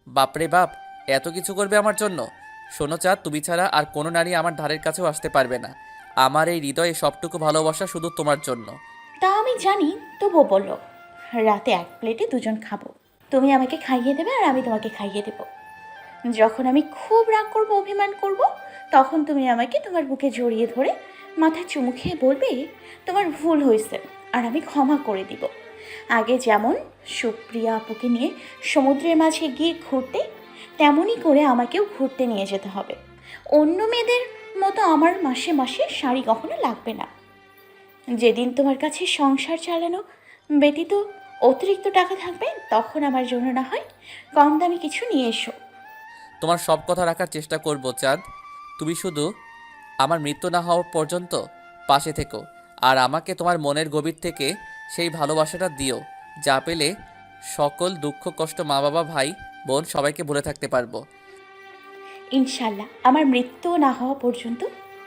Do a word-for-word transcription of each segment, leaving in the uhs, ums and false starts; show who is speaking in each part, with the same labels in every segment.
Speaker 1: বাপরে বাপ, এত কিছু করবে আমার জন্য? শোনো চাঁদ, তুমি ছাড়া আর কোনো নারী আমার ধারের কাছেও আসতে পারবে না। আমার এই হৃদয়ে সবটুকু ভালোবাসা শুধু তোমার জন্য।
Speaker 2: তা আমি জানি, তবুও বলল, রাতে এক প্লেটে দুজন খাবো। তুমি আমাকে খাইয়ে দেবে আর আমি তোমাকে খাইয়ে দেব। যখন আমি খুব রাগ করব, অভিমান করব, তখন তুমি আমাকে তোমার বুকে জড়িয়ে ধরে মাথায় চুমু খেয়ে বলবে তোমার ভুল হয়েছে আর আমি ক্ষমা করে দিব। আগে যেমন সুপ্রিয়া আপুকে নিয়ে সমুদ্রের মাঝে গিয়ে ঘুরতে, তেমনই করে আমাকেও ঘুরতে নিয়ে যেতে হবে। অন্য মেয়েদের মতো আমার মাসে মাসে শাড়ি কখনো লাগবে না। যেদিন তোমার কাছে সংসার চালানো ব্যতীত অতিরিক্ত টাকা থাকবে, তখন আমার জন্য না হয় কম দামি কিছু নিয়ে এসো।
Speaker 1: তোমার সব কথা রাখার চেষ্টা করব চাঁদ। তুমি শুধু আমার মৃত্যু না হওয়া পর্যন্ত পাশে থেকো, আর আমাকে তোমার মনের গভীর থেকে সেই ভালোবাসাটা দিও, যা পেলে সকল দুঃখ কষ্ট মা বাবা ভাই বোন সবাইকে ভুলে থাকতে পারবো।
Speaker 2: ইনশাল্লাহ আমার মৃত্যু না হওয়া পর্যন্ত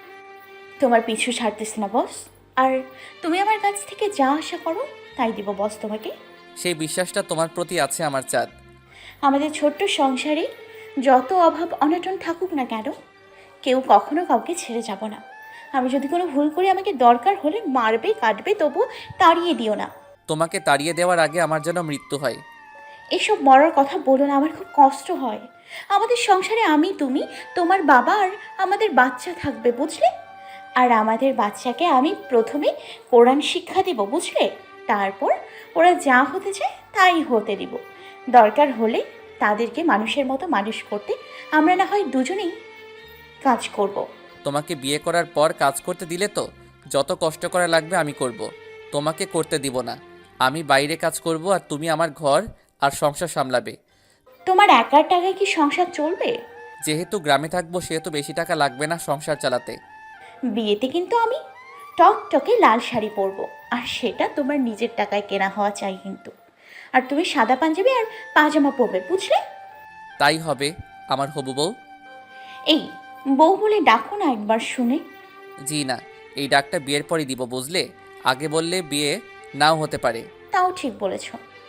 Speaker 2: তোমার পিছু ছাড়তেছে না বস। আর তুমি আমার কাছ থেকে যা আশা করো তাই দিব বস তোমাকে।
Speaker 1: সেই বিশ্বাসটা তোমার প্রতি আছে আমার চাঁদ।
Speaker 2: আমাদের ছোট্ট সংসারে যত অভাব অনটন থাকুক না কেন, কেউ কখনো কাউকে ছেড়ে যাব না। আমি যদি কোনো ভুল করি, আমাকে দরকার হলে মারবে কাটবে, তবু তাড়িয়ে দিও না।
Speaker 1: তোমাকে তাড়িয়ে দেওয়ার আগে আমার যেন মৃত্যু হয়।
Speaker 2: এসব মরার কথা বলো না, আমার খুব কষ্ট হয়। আমাদের সংসারে আমি, তুমি, তোমার বাবা আর আমাদের বাচ্চা থাকবে, বুঝলে? আর আমাদের বাচ্চাকে আমি প্রথমে কোরআন শিক্ষা দেব, বুঝলে? তারপর ওরা যা হতে চায় তাই হতে দিব। দরকার হলে তাদেরকে মানুষের মতো মানুষ করতে আমরা না হয় দুজনেই কাজ করব।
Speaker 1: তোমাকে বিয়ে করার পর কাজ করতে দিলে তো যত কষ্ট করা লাগবে আমি করব। তোমাকে করতে দিব না। আমি বাইরে কাজ করব আর তুমি আমার ঘর আর সংসার সামলাবে।
Speaker 2: তোমার একার টাকায় কি সংসার চলবে?
Speaker 1: যেহেতু গ্রামে থাকবো সেহেতু বেশি টাকা লাগবে না সংসার চালাতে।
Speaker 2: বিয়েতে কিন্তু আমি টকটকে লাল শাড়ি পরবো, আর সেটা তোমার নিজের টাকায় কেনা হওয়া চাই কিন্তু। আর তুমি সাদা পাঞ্জাবি আর পাজামা পরবে, বুঝলে?
Speaker 1: তাই হবে আমার হবু বউ।
Speaker 2: এই, বউ বলে ডাকো না একবার শুনে।
Speaker 1: জি না, এই ডাকটা বিয়ের পরই দিব, বুঝলে? আগে বললে বিয়ে নাও হতে পারে।
Speaker 2: তাও ঠিক বলেছ।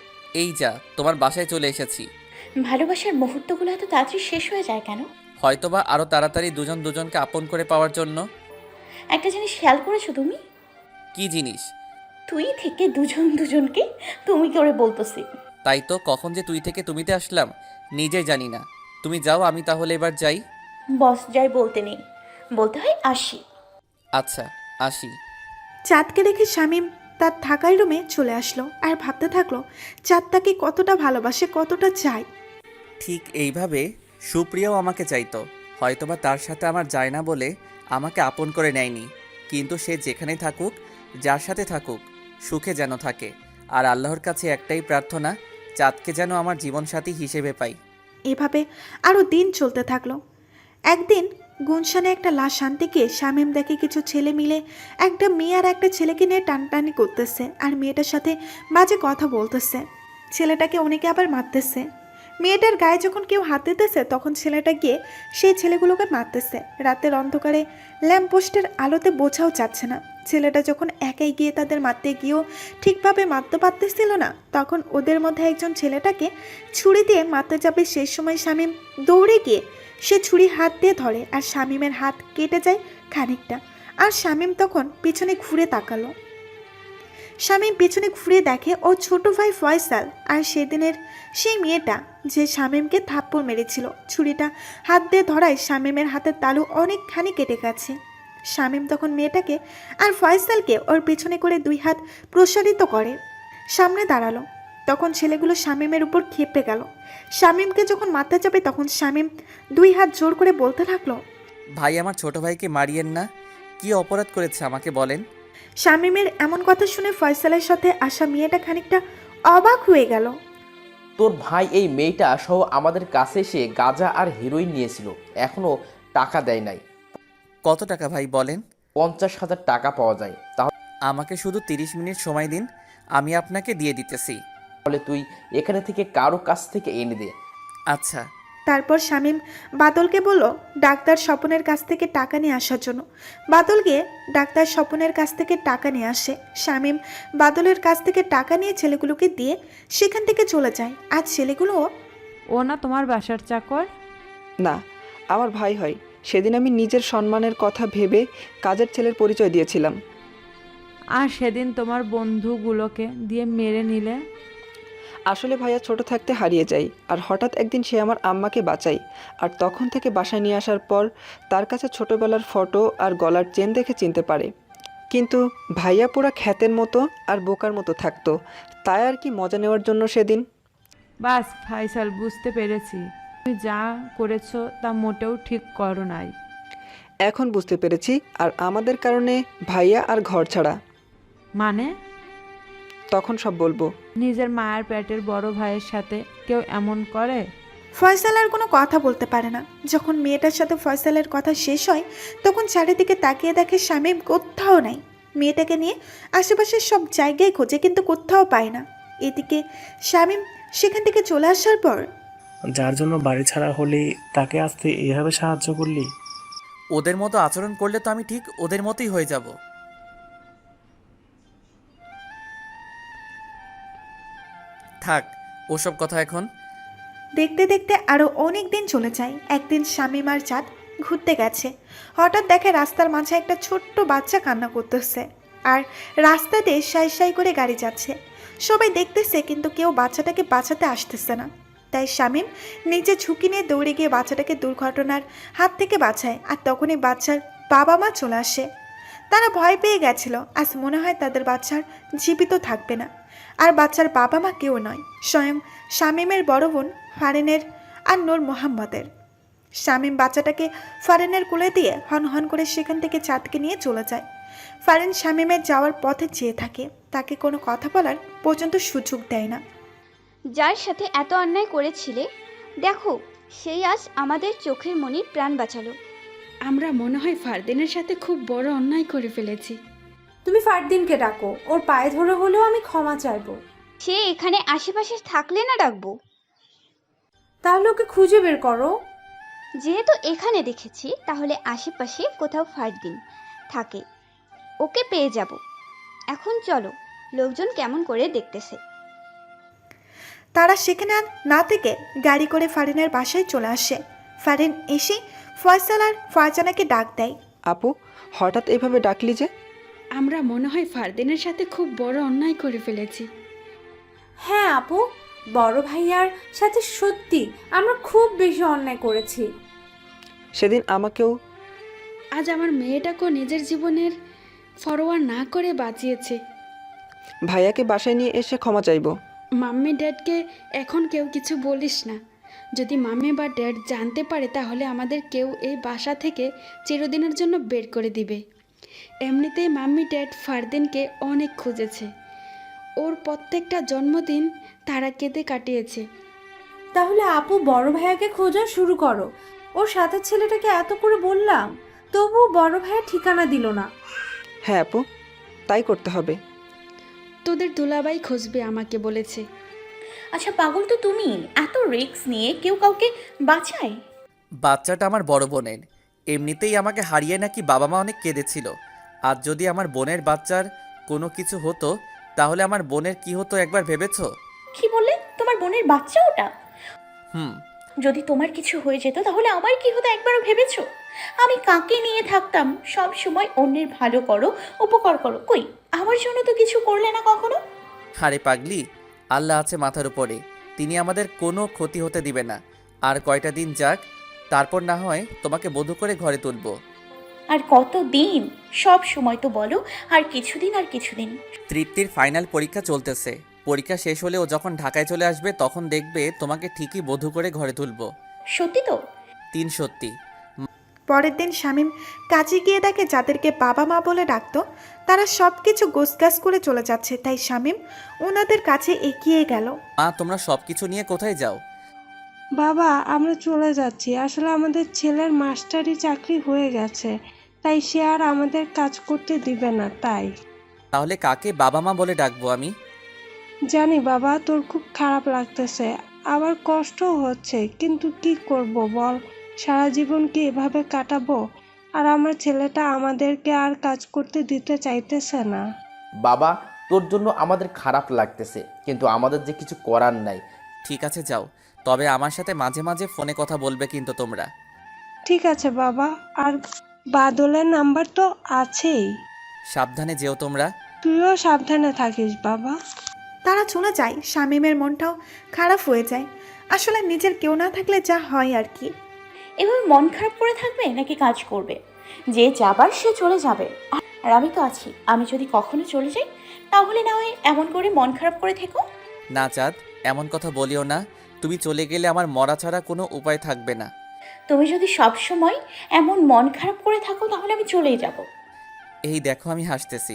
Speaker 1: এই যা, তোমার বাসায় চলে এসেছি।
Speaker 2: ভালোবাসার মুহূর্তগুলো এত তাড়াতাড়ি শেষ হয়ে যায় কেন?
Speaker 1: হয়তোবা আরও তাড়াতাড়ি দুজন দুজনকে আপন করে পাওয়ার জন্য।
Speaker 2: একটা জিনিস খেয়াল করেছো তুমি?
Speaker 1: কি জিনিস?
Speaker 2: তুই থেকে দুজন দুজনকে তুমি করে বলতেছি।
Speaker 1: তাই তো, কখন যে তুই থেকে তুমিতে আসলাম নিজেই জানি না। তুমি যাও, আমি তাহলে এবার যাই।
Speaker 2: বস যাই বলতে নেই, বলতে হয় আসি।
Speaker 1: আচ্ছা, আসি।
Speaker 3: চাঁদকে রেখে শামীম তার থাকার রুমে চলে আসলো আর ভাবতে থাকলো চাঁদ তাকে কতটা ভালোবাসে, কতটা চায়।
Speaker 1: ঠিক এইভাবে সুপ্রিয়াও আমাকে চাইতো। হয়তোবা তার সাথে আমার যায় না বলে আমাকে আপন করে নেয়নি, কিন্তু সে যেখানেই থাকুক, যার সাথে থাকুক, সুখে যেন থাকে। আর আল্লাহর কাছে একটাই প্রার্থনা, চাঁদকে যেন আমার জীবনসাথী হিসেবে পাই।
Speaker 3: এভাবে আরও দিন চলতে থাকলো। একদিন গুনশানে একটা লাশ আনতে গিয়ে শামীম দেখে কিছু ছেলে মিলে একটা মেয়ে আর একটা ছেলেকে নিয়ে টানটানি করতেছে আর মেয়েটার সাথে বাজে কথা বলতেছে। ছেলেটাকে অনেকে আবার মারতেছে। মেয়েটার গায়ে যখন কেউ হাত দিতেছে তখন ছেলেটা গিয়ে সেই ছেলেগুলোকে মারতেছে। রাতের অন্ধকারে ল্যাম্পপোস্টের আলোতে বোঝাও যাচ্ছে না। ছেলেটা যখন একাই গিয়ে তাদের মারতে গিয়েও ঠিকভাবে মারতে পারতেছিল না, তখন ওদের মধ্যে একজন ছেলেটাকে ছুরি দিয়ে মারতে যাবে, সেই সময় শামীম দৌড়ে গিয়ে সে ছুরি হাত দিয়ে ধরে আর শামীমের হাত কেটে যায় খানিকটা। আর শামীম তখন পিছনে ঘুরে তাকালো। শামীম পিছনে ঘুরে দেখে ওর ছোট ভাই ফয়সাল আর সেদিনের সেই মেয়েটা যে শামীমকে থাপ্পড় মেরেছিল। ছুরিটা হাত দিয়ে ধরায় শামীমের হাতের তালু অনেকখানি কেটে গেছে। শামীম তখন মেয়েটাকে আর ফয়সালকে ওর পিছনে করে দুই হাত প্রসারিত করে সামনে দাঁড়ালো। তখন ছেলেগুলো শামীমের উপর খেপে গেল। শামীমকে যখন মারতে যাবে তখন শামীম দুই হাত জোর করে বলতে থাকলো,
Speaker 1: ভাই, আমার ছোট ভাইকে মারিয়েন না। কি অপরাধ করেছে আমাকে বলেন।
Speaker 3: শামীমের এমন কথা শুনে ফয়সালের সাথে আসা মেয়েটা খানিকটা অবাক হয়ে গেল।
Speaker 4: তোর ভাই এই মেয়েটা সহ আমাদের কাছে এসে গাঁজা আর হিরোইন নিয়েছিল, এখনো টাকা দেয় নাই।
Speaker 1: কত টাকা ভাই বলেন?
Speaker 4: পঞ্চাশ হাজার টাকা পাওয়া যায়।
Speaker 1: আমাকে শুধু তিরিশ মিনিট সময় দিন, আমি আপনাকে দিয়ে দিতেছি।
Speaker 4: তাহলে তুই এখানে থেকে কারো কাছ থেকে এনে দে।
Speaker 1: আচ্ছা।
Speaker 3: তারপর শামীম বাদলকে বলল ডাক্তার স্বপনের কাছ থেকে টাকা নিয়ে আসার জন্য। বাদল গিয়ে ডাক্তার স্বপনের কাছ থেকে টাকা নিয়ে আসে। শামীম বাদলের কাছ থেকে টাকা নিয়ে ছেলেগুলোকে দিয়ে সেখান থেকে চলে যায়। আর ছেলেগুলোও
Speaker 5: ও না তোমার বাসার চাকর?
Speaker 6: না, আমার ভাই হয়। সেদিন আমি নিজের সম্মানের কথা ভেবে কাজের ছেলের পরিচয় দিয়েছিলাম।
Speaker 5: আর সেদিন তোমার বন্ধুগুলোকে দিয়ে মেরে নিলে।
Speaker 6: আসলে ভাইয়া ছোট থাকতে হারিয়ে যায়, আর হঠাৎ একদিন সে আমার আম্মাকে বাঁচায়। আর তখন থেকে বাসায় নিয়ে আসার পর তার কাছে ছোটবেলার ফটো আর গলার চেন দেখে চিনতে পারে। কিন্তু ভাইয়া পুরা খ্যাতের মতো আর বোকার মতো থাকতো, তাই আর কি মজা নেওয়ার জন্য সেদিন।
Speaker 5: বাস ফাইসাল, বুঝতে পেরেছি তুমি যা করেছো তা মোটেও ঠিক করো নাই।
Speaker 6: এখন বুঝতে পেরেছি, আর আমাদের কারণে ভাইয়া আর ঘর ছাড়া।
Speaker 5: মানে?
Speaker 6: তখন সব বলবো।
Speaker 5: নিজের মায়ের পেটের বড় ভাইয়ের সাথে কেউ এমন করে?
Speaker 3: ফয়সাল আর কোনো কথা বলতে পারে না। যখন মেয়েটার সাথে ফয়সালের কথা শেষ হয় তখন চারিদিকে তাকিয়ে দেখে শামীম কোথাও নাই। মেয়েটাকে নিয়ে আশেপাশের সব জায়গায় খোঁজে কিন্তু কোথাও পায় না। এদিকে শামীম সেখান থেকে চলে আসার পর,
Speaker 7: যার জন্য বাড়ি ছাড়া হলি তাকে আসতে এভাবে সাহায্য করলি?
Speaker 1: ওদের মতো আচরণ করলে তো আমি ঠিক ওদের মতোই হয়ে যাব। থাক ওসব কথা এখন।
Speaker 3: দেখতে দেখতে আরও অনেক দিন চলে যায়। একদিন শামীম আর চাঁদ ঘুরতে গেছে। হঠাৎ দেখে রাস্তার মাঝে একটা ছোট্ট বাচ্চা কান্না করতেছে, আর রাস্তা দিয়ে সাই সাই করে গাড়ি যাচ্ছে। সবাই দেখতেছে কিন্তু কেউ বাচ্চাটাকে বাঁচাতে আসতেছে না। তাই শামীম নিজে ঝুঁকি নিয়ে দৌড়ে গিয়ে বাচ্চাটাকে দুর্ঘটনার হাত থেকে বাঁচায়। আর তখনই বাচ্চার বাবা মা চলে আসে। তারা ভয় পেয়ে গেছিল, আজ মনে হয় তাদের বাচ্চার জীবিত থাকবে না। আর বাচ্চার বাবা মা কেউ নয়, স্বয়ং শামীমের বড় বোন ফারিনের আর নূর মোহাম্মদের। শামীম বাচ্চাটাকে ফারিনের কোলে দিয়ে হন হন করে সেখান থেকে চাঁদকে নিয়ে চলে যায়। ফারিন শামীমের যাওয়ার পথে চেয়ে থাকে, তাকে কোনো কথা বলার পর্যন্ত সুযোগ দেয় না।
Speaker 8: যার সাথে এত অন্যায় করেছিলে, দেখো সেই আজ আমাদের চোখের মনির প্রাণ বাঁচালো।
Speaker 9: আমরা মনে হয় ফারদিনের সাথে খুব বড় অন্যায় করে ফেলেছি।
Speaker 10: তুমি ফারদিনকে ডাকো, ওর পায়ে ধরে হলেও আমি ক্ষমা চাইবো।
Speaker 8: সে এখানে আশেপাশে থাকলে না ডাকবো?
Speaker 10: তাহলে ওকে খুঁজে বের করো।
Speaker 8: যেহেতু এখানে দেখেছি, তাহলে আশেপাশে কোথাও ফারদিন থাকে, ওকে পেয়ে যাব। এখন চলো, লোকজন কেমন করে দেখতেছে।
Speaker 3: তারা সেখানে আর না থেকে গাড়ি করে ফারিনের বাসায় চলে আসে। ফারিন এসে ফয়সাল আর ফারজানাকে ডাক দেয়।
Speaker 6: আপু, হঠাৎ এভাবে ডাকলি যে?
Speaker 9: আমরা মনে হয় ফারদিনের সাথে খুব বড় অন্যায় করে ফেলেছি।
Speaker 10: হ্যাঁ আপু, বড় ভাইয়ার সাথে সত্যি আমরা খুব বেশি অন্যায় করেছি।
Speaker 6: সেদিন আমাকেও।
Speaker 9: আজ আমার মেয়েটাকেও নিজের জীবনের ফরোয়া না করে বাঁচিয়েছে।
Speaker 6: ভাইয়াকে বাসায় নিয়ে এসে ক্ষমা চাইবো।
Speaker 9: মাম্মি ড্যাডকে এখন কেউ কিছু বলিস না। যদি মাম্মি বা ড্যাড জানতে পারে তাহলে আমাদের কেউ এই বাসা থেকে চিরদিনের জন্য বের করে দিবে। এমনিতেই মাম্মি ড্যাড ফারদিনকে অনেক খুঁজেছে। ওর প্রত্যেকটা জন্মদিন তারা কেঁদে কাটিয়েছে।
Speaker 10: তাহলে আপু বড় ভাইয়াকে খোঁজা শুরু করো। ওর সাথে ছেলেটাকে এত করে বললাম, তবুও বড় ভাইয়া ঠিকানা দিল না।
Speaker 6: হ্যাঁ আপু, তাই করতে হবে।
Speaker 9: তোদের দুলাভাই খুঁজবে আমাকে বলেছে।
Speaker 2: আচ্ছা পাগল তো তুমি, এত রিস্ক নিয়ে কেউ কাউকে বাঁচায়?
Speaker 1: বাচ্চাটা আমার বড় বোনের। এমনিতেই আমাকে হারিয়ে নাকি বাবা মা অনেক কেঁদেছিল। আর যদি আমার বোনের বাচ্চার কোনো কিছু হতো তাহলে আমার বোনের কি হতো একবার ভেবেছো?
Speaker 2: কি বললে? তোমার বোনের বাচ্চা ওটা?
Speaker 1: হুম।
Speaker 2: যদি তোমার কিছু হয়ে যেত তাহলে আমার কি হতো একবারও ভেবেছো? আমি কাকে নিয়ে থাকতাম? সব সময় অন্যের ভালো করো, উপকার করো, কই আমার জন্য তো কিছু করলে না কখনো।
Speaker 1: আরে পাগলি, আল্লাহ আছে মাথার উপরে, তিনি আমাদের কোনো ক্ষতি হতে দিবে না। আর কয়টা দিন যাক, তারপর না হয় তোমাকে বধূ করে ঘরে তুলবো।
Speaker 2: আর কত দিন? সব সময় তো বলো আর কিছুদিন আর কিছুদিন।
Speaker 1: তৃপ্তির ফাইনাল পরীক্ষা চলতেছে। পরীক্ষা শেষ হলে ও যখন ঢাকায় চলে আসবে তখন দেখবে তোমাকে ঠিকই বধূ করে ঘরে তুলবো।
Speaker 2: সত্যি তো?
Speaker 1: তিন সত্যি।
Speaker 3: পরের দিন শামীম কাজে গিয়ে দেখে যাদেরকে বাবা মা বলে ডাকতো তারা সব কিছু গোছগাছ করে চলে যাচ্ছে। তাই শামীম ওনাদের কাছে এগিয়ে গেল।
Speaker 1: মা, তোমরা সব কিছু নিয়ে কোথায় যাও?
Speaker 11: বাবা, আমরা চলে যাচ্ছি। আসলে আমাদের ছেলের মাস্টারি চাকরি হয়ে গেছে, তাই সে আর আমাদের কাজ করতে দিবে না। তাই।
Speaker 1: তাহলে কাকে বাবা মা বলে ডাকবো আমি?
Speaker 11: জানি বাবা, তোর খুব খারাপ লাগতেছে, আবার কষ্টও হচ্ছে, কিন্তু কি করব বল? সারা জীবন কি এভাবে কাটাবো? আর আমার ছেলেটা আমাদেরকে আর কাজ করতে দিতে চাইতেছে না।
Speaker 4: বাবা, তোর জন্য আমাদের খারাপ লাগতেছে, কিন্তু আমাদের যে কিছু করার নাই।
Speaker 1: ঠিক আছে যাও, তবে আমার সাথে মাঝে মাঝে ফোনে কথা বলবে কিন্তু তোমরা।
Speaker 11: ঠিক আছে বাবা, আর বাদলের নাম্বার তো আছেই।
Speaker 1: সাবধানে যেও তোমরা।
Speaker 11: তুইও সাবধানে থাকিস বাবা।
Speaker 3: তারা চলে যায়। শামীমের মনটাও খারাপ হয়ে যায়। আসলে নিজের কেউ না থাকলে যা হয় আর কি।
Speaker 2: এভাবে মন খারাপ করে থাকবে নাকি কাজ করবে? যে যাবার সে চলে যাবে, আর আমি তো আছি। আমি যদি কখনো চলে যাই তাহলে না হয় এমন করে মন খারাপ করে থেকো।
Speaker 1: না চাঁদ, এমন কথা বলিও না। তুমি চলে গেলে আমার মরা ছাড়া কোনো উপায় থাকবে না।
Speaker 2: তুমি যদি সব সময় এমন মন খারাপ করে থাকো তাহলে আমি চলেই যাব।
Speaker 1: এই দেখো আমি হাসতেছি।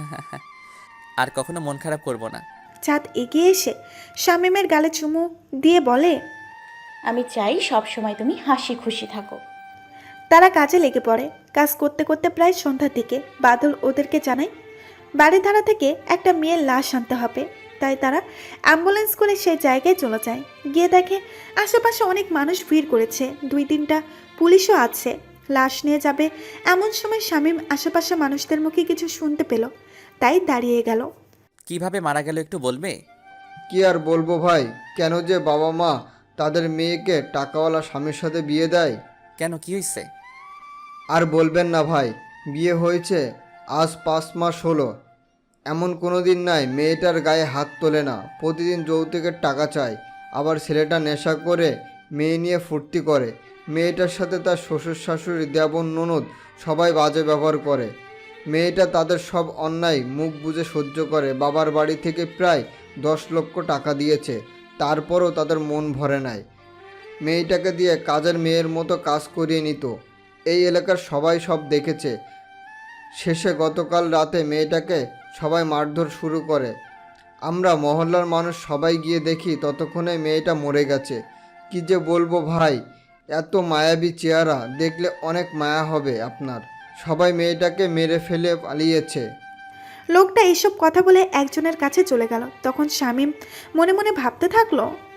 Speaker 1: আর কখনো মন খারাপ করব না।
Speaker 3: চাঁদ এগিয়ে এসে শামীমের গালে চুমু দিয়ে বলে,
Speaker 2: আমি চাই সব সময় তুমি হাসি খুশি থাকো।
Speaker 3: তারা কাজে লেগে পড়ে। কাজ করতে করতে প্রায় সন্ধ্যার দিকে বাদল ওদেরকে জানায় বাড়ির ধারা থেকে একটা মেয়ের লাশ আনতে হবে। তাই তারা অ্যাম্বুলেন্স করে সেই জায়গায় চলে যায়। গিয়ে দেখে আশেপাশে অনেক মানুষ ভিড় করেছে, দুই তিনটা পুলিশও আছে। লাশ নিয়ে যাবে এমন সময় শামীম আশেপাশে মানুষদের মুখে কিছু শুনতে পেল, তাই দাঁড়িয়ে গেল।
Speaker 1: কিভাবে মারা গেল একটু বলবে?
Speaker 12: কি আর বলবো ভাই, কেন যে বাবা মা তাদের মেয়েকে টাকাওয়ালা স্বামীর সাথে বিয়ে দেয়।
Speaker 1: কেন, কি হয়েছে?
Speaker 12: আর বলবেন না ভাই, বিয়ে হয়েছে আজ পাঁচ মাস হলো, এমন কোনো দিন নাই মেয়েটার গায়ে হাত তোলে না। প্রতিদিন যৌতুকের টাকা চায়, আবার ছেলেটা নেশা করে মেয়ে নিয়ে ফুর্তি করে। মেয়েটার সাথে তার শ্বশুর শাশুড়ি দেবর ননদ সবাই বাজে ব্যবহার করে। মেয়েটা তাদের সব অন্যায় মুখ বুজে সহ্য করে। বাবার বাড়ি থেকে প্রায় দশ লক্ষ টাকা দিয়েছে, তারপরও তাদের মন ভরে নাই। মেয়েটাকে দিয়ে কাজের মেয়ের মতো কাজ করিয়ে নিত। এই এলাকার সবাই সব দেখেছে। শেষে গতকাল রাতে মেয়েটাকে সবাই মারধর শুরু করে। আমরা মহল্লার মানুষ সবাই গিয়ে দেখি ততক্ষণে মেয়েটা মরে গেছে। কি যে বলবো ভাই, এত মায়াবী চেহারা, দেখলে অনেক মায়া হবে আপনার। সবাই মেয়েটাকে মেরে ফেলে পালিয়েছে।
Speaker 3: লোকটা এইসব কথা বলে একজনের কাছে চলে গেল। তখন শামীম মনে মনে ভাবতে থাকলো,